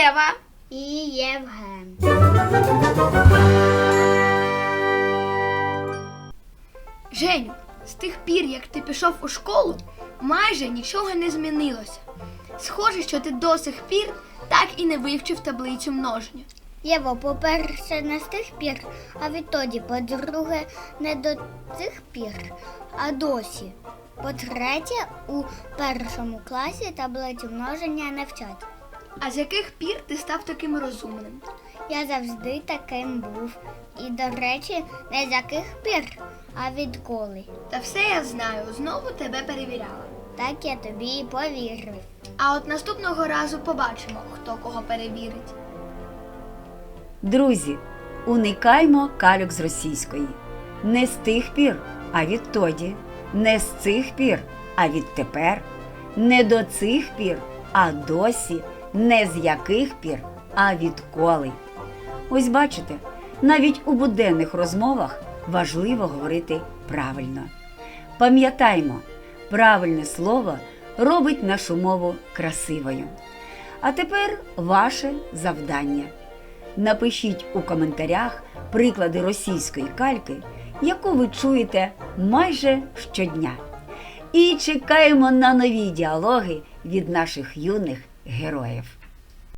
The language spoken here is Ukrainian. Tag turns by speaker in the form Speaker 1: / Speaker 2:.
Speaker 1: Єва.
Speaker 2: І Євген.
Speaker 1: Женю, з тих пір, як ти пішов у школу, майже нічого не змінилося. Схоже, що ти до сих пір так і не вивчив таблицю множення.
Speaker 2: Єво, по-перше, не з тих пір, а відтоді. По-друге, не до цих пір, а досі. По-третє, у першому класі таблицю множення не вчать.
Speaker 1: А з яких пір ти став таким розумним?
Speaker 2: Я завжди таким був. І, до речі, не з яких пір, а відколи.
Speaker 1: Та все я знаю, знову тебе перевіряла.
Speaker 2: Так я тобі і повірив.
Speaker 1: А от наступного разу побачимо, хто кого перевірить.
Speaker 3: Друзі, уникаймо кальок з російської. Не з тих пір, а відтоді. Не з цих пір, а відтепер. Не до цих пір, а досі. Не з яких пір, а відколи. Ось бачите, навіть у буденних розмовах важливо говорити правильно. Пам'ятаймо, правильне слово робить нашу мову красивою. А тепер ваше завдання. Напишіть у коментарях приклади російської кальки, яку ви чуєте майже щодня. І чекаємо на нові діалоги від наших юних героїв.